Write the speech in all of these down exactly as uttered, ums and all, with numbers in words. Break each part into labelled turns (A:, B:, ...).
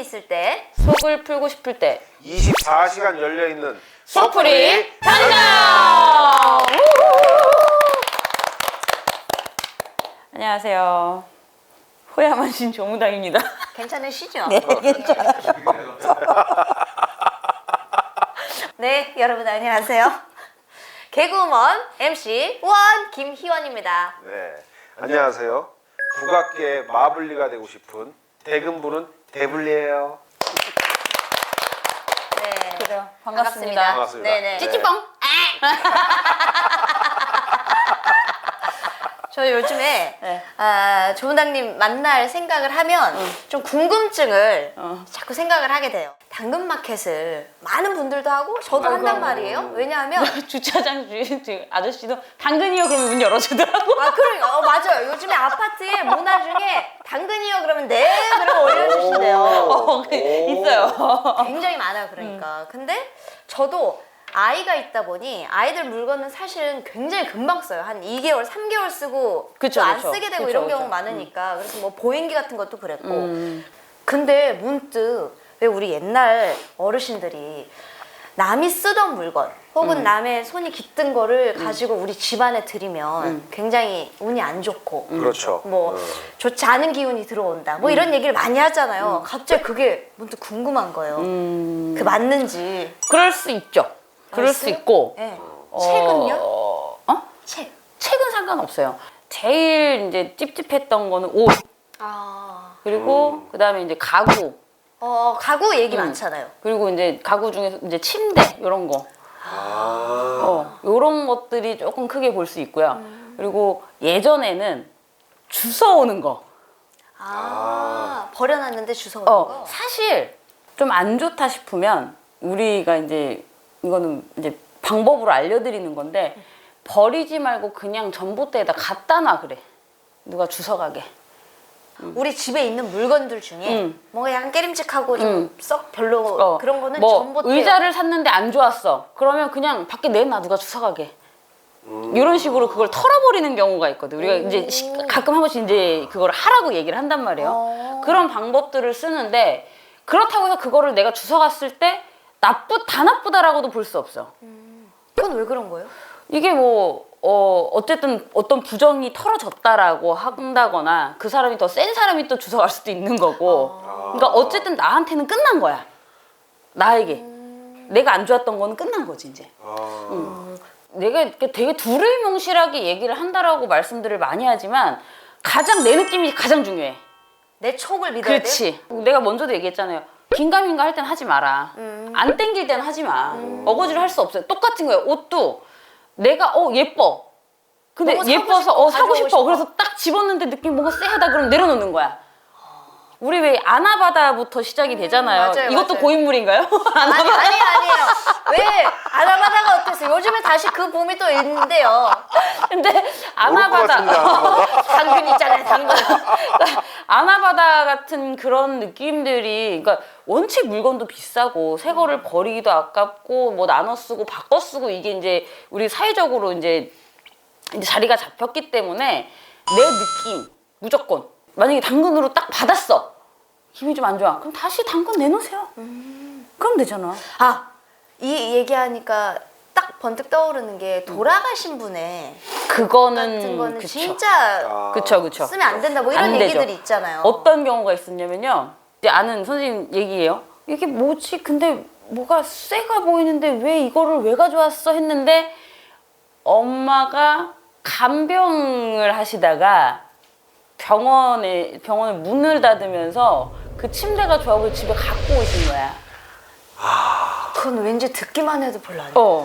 A: 있을 때,
B: 속을 풀고 싶을 때
C: 이십사 시간 열려있는
B: 속풀이 당장! 안녕하세요. 호야만신 조무당입니다.
A: 괜찮으시죠?
B: 네, 괜찮아요.
A: 네, 여러분 안녕하세요. 개그우먼 엠씨 원 김희원입니다.
C: 네, 안녕하세요. 국악계의 마블리가 되고 싶은 대금부는 대블리예요.
A: 네,
B: 그래요. 반갑습니다.
C: 반갑습니다.
A: 네네.
B: 찌찌뽕!
A: 저 요즘에
B: 네.
A: 아, 조문당님 만날 생각을 하면 좀 궁금증을
B: 어.
A: 자꾸 생각을 하게 돼요. 당근마켓을 많은 분들도 하고 저도
B: 아이고.
A: 한단 말이에요. 왜냐하면
B: 주차장 주인 주- 아저씨도 당근이요 그러면 문 열어주더라고.
A: 아 그래, 어 맞아요. 요즘에 아파트에 문화 중에 당근이요 그러면 네 그러면 올려주신대요.
B: 어, 그, 있어요.
A: 굉장히 많아요. 그러니까. 근데 저도 아이가 있다 보니 아이들 물건은 사실은 굉장히 금방 써요. 한 이 개월, 삼 개월 쓰고
B: 그쵸,
A: 또 안
B: 그쵸.
A: 쓰게 되고
B: 그쵸,
A: 이런
B: 그쵸.
A: 경우 많으니까. 그래서 뭐 보행기 같은 것도 그랬고.
B: 음.
A: 근데 문득 왜 우리 옛날 어르신들이 남이 쓰던 물건 혹은
B: 음.
A: 남의 손이 깃든 거를 가지고 우리 집안에 들이면
B: 음.
A: 굉장히 운이 안 좋고
C: 그렇죠.
A: 뭐
C: 어.
A: 좋지 않은 기운이 들어온다 뭐 이런 얘기를 많이 하잖아요. 갑자기 그게 문득 궁금한 거예요.
B: 음.
A: 그 맞는지.
B: 그럴 수 있죠. 그럴 수
A: 글쎄요?
B: 있고.
A: 네.
B: 어,
A: 책은요?
B: 어?
A: 책.
B: 책은 상관없어요. 제일 이제 찝찝했던 거는 옷.
A: 아,
B: 그리고 그다음에 이제 가구.
A: 어 가구 얘기
B: 음.
A: 많잖아요.
B: 그리고 이제 가구 중에서 이제 침대 이런 거.
C: 아,
B: 어, 이런 것들이 조금 크게 볼 수 있고요. 그리고 예전에는 주워 오는 거.
A: 아, 버려놨는데 주워 오는
B: 어,
A: 거.
B: 사실 좀 안 좋다 싶으면 우리가 이제 이거는 이제 방법으로 알려드리는 건데 버리지 말고 그냥 전봇대에다 갖다 놔 그래. 누가 주워가게.
A: 우리 집에 있는 물건들 중에
B: 음.
A: 뭔가 약간 깨림직하고 좀
B: 음.
A: 썩 별로
B: 어,
A: 그런 거는
B: 뭐
A: 전봇대.
B: 의자를 샀는데 안 좋았어. 그러면 그냥 밖에 내놔 누가 주워가게. 이런 식으로 그걸 털어버리는 경우가 있거든. 우리가 이제 시- 가끔 한 번씩 이제 그걸 하라고 얘기를 한단 말이에요.
A: 어.
B: 그런 방법들을 쓰는데 그렇다고 해서 그거를 내가 주워갔을 때 나쁘 다 나쁘다라고도 볼 수 없어.
A: 그건 왜 그런 거예요?
B: 이게 뭐 어, 어쨌든 어떤 부정이 털어졌다라고 한다거나 그 사람이 더 센 사람이 또 주워갈 수도 있는 거고. 그러니까 어쨌든 나한테는 끝난 거야. 나에게. 내가 안 좋았던 거는 끝난 거지 이제.
C: 아.
B: 내가 이렇게 되게 두루뭉실하게 얘기를 한다라고 말씀들을 많이 하지만 가장 내 느낌이 가장 중요해.
A: 내 촉을 믿어야 돼.
B: 그렇지. 내가 먼저도 얘기했잖아요. 긴가민가 할 땐 하지 마라.
A: 음.
B: 안 땡길 땐 하지 마. 어거지를 할 수 없어요. 똑같은 거예요. 옷도 내가 어 예뻐. 근데
A: 너무 사고
B: 예뻐서
A: 싶어,
B: 어 사고
A: 가져오고
B: 싶어.
A: 싶어.
B: 그래서 딱 집었는데 느낌 뭔가 쎄하다 그럼 내려놓는 거야. 우리 왜 아나바다부터 시작이 되잖아요.
A: 맞아요,
B: 이것도
A: 맞아요.
B: 고인물인가요?
A: 아니 아니 아니에요. 왜 아나바다가 어땠어? 요즘에 다시 그 봄이 또 있는데요.
B: 근데
C: 모를 것
B: 아나바다
C: 같은데, 아나바다.
A: 당근 있잖아요, 당근.
B: 그러니까 아나바다 같은 그런 느낌들이 그러니까 원체 물건도 비싸고 새 거를 버리기도 아깝고 뭐 나눠 쓰고 바꿔 쓰고 이게 이제 우리 사회적으로 이제, 이제 자리가 잡혔기 때문에 내 느낌 무조건 만약에 당근으로 딱 받았어 기분이 좀 안 좋아 그럼 다시 당근 내놓으세요. 그럼 되잖아.
A: 아, 이 얘기하니까 딱 번뜩 떠오르는 게 돌아가신 분의
B: 그거는
A: 같은 거는
B: 그쵸.
A: 진짜
C: 아.
B: 그쵸 그쵸.
A: 쓰면 안 된다 뭐 이런
B: 안 되죠.
A: 얘기들이 있잖아요.
B: 어떤 경우가 있었냐면요. 이제 아는 선생님 얘기예요. 이게 뭐지? 근데 뭐가 쇠가 보이는데 왜 이거를 왜 가져왔어? 했는데 엄마가 간병을 하시다가 병원에 병원에 문을 닫으면서 그 침대가 좋아 보여 집에 갖고 오신 거야.
A: 그건 왠지 듣기만 해도 별로 안
B: 어.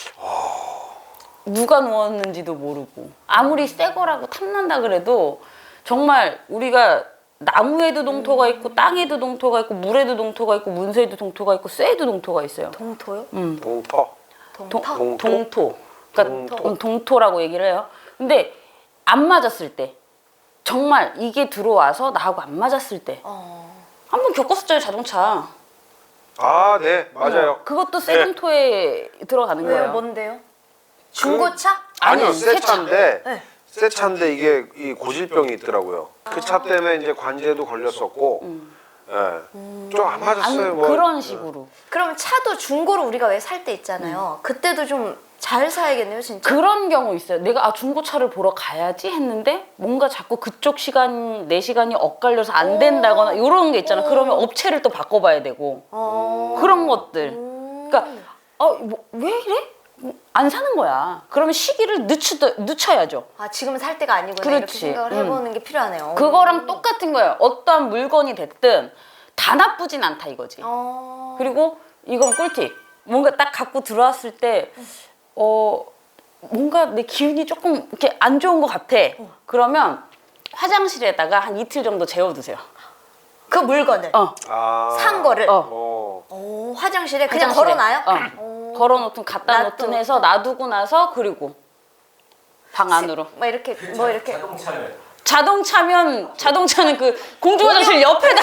B: 누가 누웠는지도 모르고 아무리 새 거라고 탐난다 그래도 정말 우리가 나무에도 동토가 있고 땅에도 동토가 있고 물에도 동토가 있고 문서에도 동토가 있고 쇠에도 동토가 있어요.
A: 동토요?
B: 음.
C: 동터.
A: 동터?
C: 동토?
B: 동토. 그러니까
C: 동토.
B: 동토라고 얘기를 해요. 근데 안 맞았을 때 정말 이게 들어와서 나하고 안 맞았을 때
A: 어.
B: 한 번 겪었었잖아요 자동차.
C: 아, 네, 맞아요.
B: 그것도 쇠동토에 들어가는
A: 왜요?
B: 거예요.
A: 뭔데요? 중고차?
C: 아니요,
B: 아니,
C: 새
B: 새 차.
C: 차인데,
A: 네.
C: 새 차인데 이게 이 고질병이 있더라고요. 그 차 때문에 이제 관제도 걸렸었고, 예. 좀 안 맞았어요.
B: 안,
C: 뭐.
B: 그런 식으로.
A: 그럼 차도 중고로 우리가 왜 살 때 있잖아요. 그때도 좀 잘 사야겠네요, 진짜.
B: 그런 경우 있어요. 내가 아 중고차를 보러 가야지 했는데 뭔가 자꾸 그쪽 시간 내 시간이 엇갈려서 안 된다거나 이런 게 있잖아. 그러면 업체를 또 바꿔봐야 되고
A: 어.
B: 그런 것들. 그러니까 어, 뭐, 왜 이래? 안 사는 거야. 그러면 시기를 늦추, 늦춰야죠.
A: 아, 지금은 살 때가 아니구나.
B: 그렇지.
A: 이렇게 생각을 해보는 게 필요하네요.
B: 그거랑 똑같은 거예요. 어떠한 물건이 됐든 다 나쁘진 않다 이거지.
A: 어.
B: 그리고 이건 꿀팁. 뭔가 딱 갖고 들어왔을 때 어, 뭔가 내 기운이 조금 이렇게 안 좋은 것 같아. 그러면 화장실에다가 한 이틀 정도 재워두세요.
A: 그 물건을
B: 어.
C: 아.
A: 산 거를
B: 어.
C: 어.
A: 오, 화장실에 그냥
B: 화장실에.
A: 걸어놔요?
B: 어.
A: 오.
B: 걸어놓든 갖다
A: 놔둬.
B: 놓든 해서 놔두고 나서 그리고 방 안으로.
A: 뭐 이렇게 뭐 이렇게
D: 자동차를
B: 자동차면 자동차는 그 공중 화장실 옆에다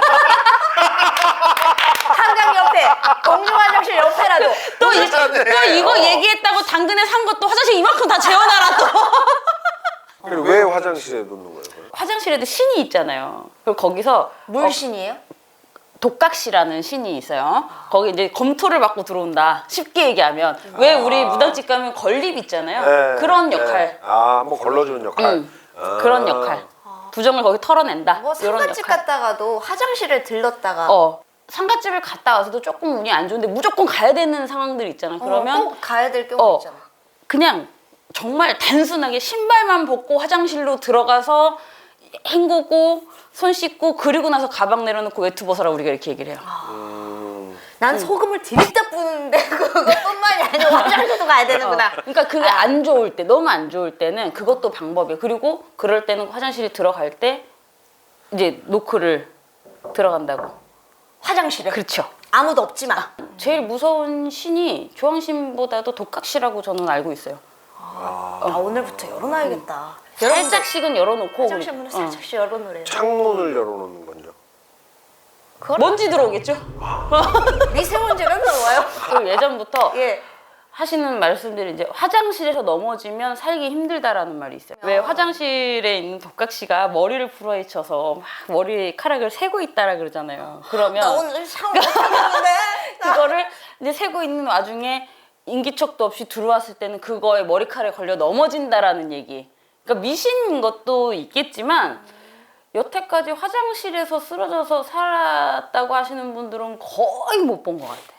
A: 한강 옆에 공중 화장실 옆에라도
B: 또, 이,
C: 괜찮네.
B: 또 이거
C: 어.
B: 얘기했다고 당근에 산 것도 화장실 이만큼 다 재워놔라 또.
C: 그리고 왜 화장실에 놓는 거예요? 그걸?
B: 화장실에도 신이 있잖아요. 그리고 거기서
A: 물신이에요?
B: 독각시라는 신이 있어요. 거기 이제 검토를 받고 들어온다. 쉽게 얘기하면 왜 우리 무당집 가면 건립 있잖아요.
C: 네,
B: 그런
C: 네.
B: 역할.
C: 아, 한번 걸러주는 역할.
B: 응.
C: 아.
B: 그런 역할. 부정을 거기 털어낸다.
A: 뭐
B: 이런
A: 상가집
B: 역할.
A: 갔다가도 화장실에 들렀다가
B: 어. 상가집을 갔다 와서도 조금 운이 안 좋은데 무조건 가야 되는 상황들이 있잖아. 그러면
A: 어, 꼭 가야 될 경우
B: 어,
A: 있잖아.
B: 그냥 정말 단순하게 신발만 벗고 화장실로 들어가서 헹구고 손 씻고 그리고 나서 가방 내려놓고 외투 벗어라 우리가 이렇게 얘기를 해요.
C: 음.
A: 난 소금을 디립다 뿌는데 그것뿐만이 아니라 화장실도 가야 되는구나.
B: 그러니까 그게 안 좋을 때 너무 안 좋을 때는 그것도 방법이에요. 그리고 그럴 때는 화장실에 들어갈 때 이제 노크를 들어간다고.
A: 화장실에.
B: 그렇죠.
A: 아무도 없지만.
B: 제일 무서운 신이 조왕신보다도 독각시라고 저는 알고 있어요.
A: 아, 오늘부터 열어놔야겠다.
B: 살짝씩은 열어놓고
A: 화장실 문을
B: 어.
A: 살짝씩 열어놓으래요.
C: 창문을 열어놓는 건요.
A: 그걸
B: 먼지 들어오겠죠?
A: 미세먼지는 들어와요.
B: 그리고 예전부터
A: 예.
B: 하시는 말씀들이 이제 화장실에서 넘어지면 살기 힘들다라는 말이 있어요. 왜 화장실에 있는 독각시가 머리를 풀어헤쳐서 막 머리카락을 세고 있다라 그러잖아요.
A: 나
B: 그러면
A: 오늘 샤워 못하겠는데.
B: 그거를 이제 세고 있는 와중에 인기척도 없이 들어왔을 때는 그거에 머리카락에 걸려 넘어진다라는 얘기. 그러니까 미신인 것도 있겠지만 여태까지 화장실에서 쓰러져서 살았다고 하시는 분들은 거의 못 본 것 같아요.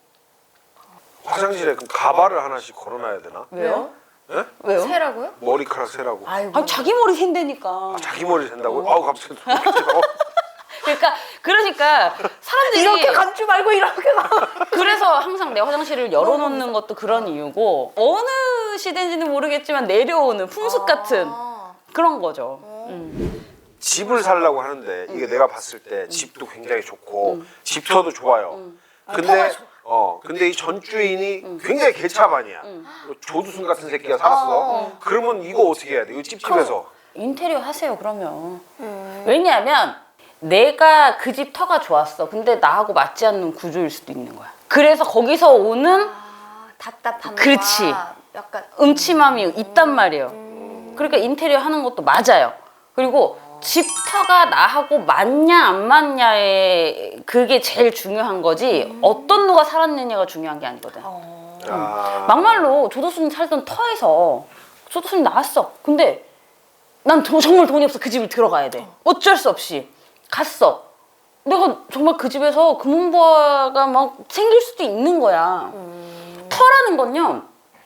C: 화장실에 그럼 가발을 하나씩 걸어놔야 되나?
B: 왜요?
C: 예?
B: 왜요?
A: 세라고요?
C: 머리카락 세라고.
A: 아이고.
B: 아니 자기 머리 샌다니까.
C: 자기 머리 센다고? 아우 갑자기 어.
B: 그러니까 그러니까 사람들이
A: 이렇게 감지 말고 이렇게 가.
B: 그래서 항상 내 화장실을 열어놓는 것도 그런 이유고 어느 시대인지는 모르겠지만 내려오는 풍습 같은
A: 아.
B: 그런 거죠. 음.
C: 집을 살려고 하는데 이게 내가 봤을 때 집도 굉장히 좋고 집터도 좋아요. 근데 어 근데 이 전주인이 굉장히 개차반이야. 조두순 같은 새끼가 살았어. 그러면 이거 어떻게 해야 돼? 이거 찝찝해서.
B: 인테리어 하세요 그러면. 왜냐하면 내가 그 집 터가 좋았어. 근데 나하고 맞지 않는 구조일 수도 있는 거야. 그래서 거기서 오는
A: 아, 답답함과
B: 그렇지.
A: 약간
B: 음침함이 있단 말이에요. 그러니까 인테리어 하는 것도 맞아요. 그리고 집터가 나하고 맞냐 안 맞냐에 그게 제일 중요한 거지 어떤 누가 살았느냐가 중요한 게 아니거든.
C: 아.
B: 막말로 조도순이 살던 터에서 조도순이 나왔어. 근데 난 도- 정말 돈이 없어. 그 집을 들어가야 돼. 어쩔 수 없이 갔어. 내가 정말 그 집에서 금은보화가 막 생길 수도 있는 거야. 터라는 건요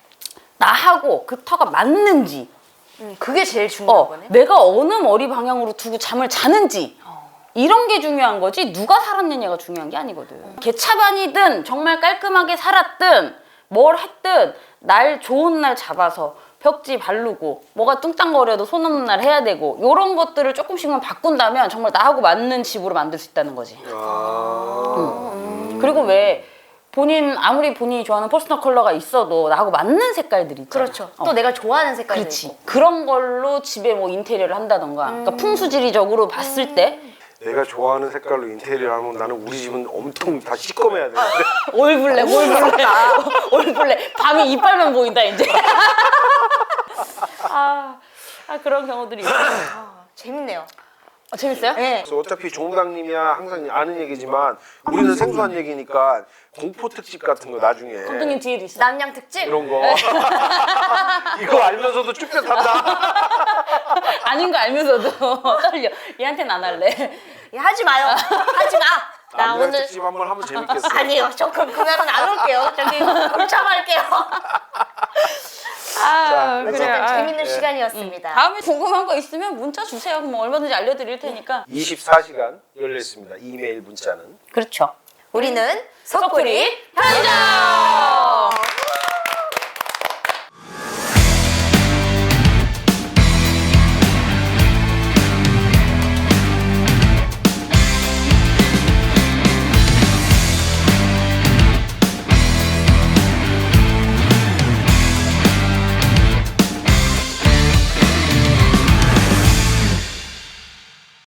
B: 나하고 그 터가 맞는지
A: 음, 그게 제일 중요한
B: 어,
A: 거네.
B: 내가 어느 머리 방향으로 두고 잠을 자는지 이런 게 중요한 거지 누가 살았느냐가 중요한 게 아니거든. 개차반이든 정말 깔끔하게 살았든 뭘 했든 날 좋은 날 잡아서 벽지 바르고 뭐가 뚱땅거려도 손 없는 날 해야 되고 이런 것들을 조금씩만 바꾼다면 정말 나하고 맞는 집으로 만들 수 있다는 거지.
C: 아.
B: 그리고 왜 본인 아무리 본인이 좋아하는 퍼스널 컬러가 있어도 나하고 맞는 색깔들이 있잖아.
A: 그렇죠.
B: 어.
A: 또 내가 좋아하는 색깔이
B: 그렇지.
A: 있고.
B: 그런 걸로 집에 뭐 인테리어를 한다던가 그러니까 풍수지리적으로 봤을 때
C: 내가 좋아하는 색깔로 인테리어 하면 나는 우리 집은 엄청 다 시꺼매야 되는데.
B: 올블랙 올블랙 올블랙 밤에 이빨만 보인다 이제. 아, 아 그런 경우들이 있어요.
A: 아, 재밌네요.
B: 어, 재밌어요?
A: 네.
C: 그래서 어차피 종당님이야 항상 아는 얘기지만 우리는 생소한 얘기니까 공포 특집 같은 거 나중에
B: 감독님 뒤에도 있어.
A: 남양 특집?
C: 이런 거 이거 알면서도 쭈뼛한다.
B: 아닌 거 알면서도 떨려. 얘한테는 안 할래.
A: 야, 하지 마요. 하지 마. 나
C: 남양
A: 오늘
C: 특집 한번 하면 재밌겠어.
A: 아니요. 저 그, 그날은 안 올게요. 저기 골참할게요.
B: 아,
C: 그래서
A: 어쨌든
B: 아,
A: 재밌는
C: 예.
A: 시간이었습니다.
B: 다음에 궁금한 거 있으면 문자 주세요. 그럼 얼마든지 알려드릴 테니까.
C: 이십사 시간 열려 있습니다. 이메일 문자는.
B: 그렇죠.
A: 우리는 석구리
B: 편의점!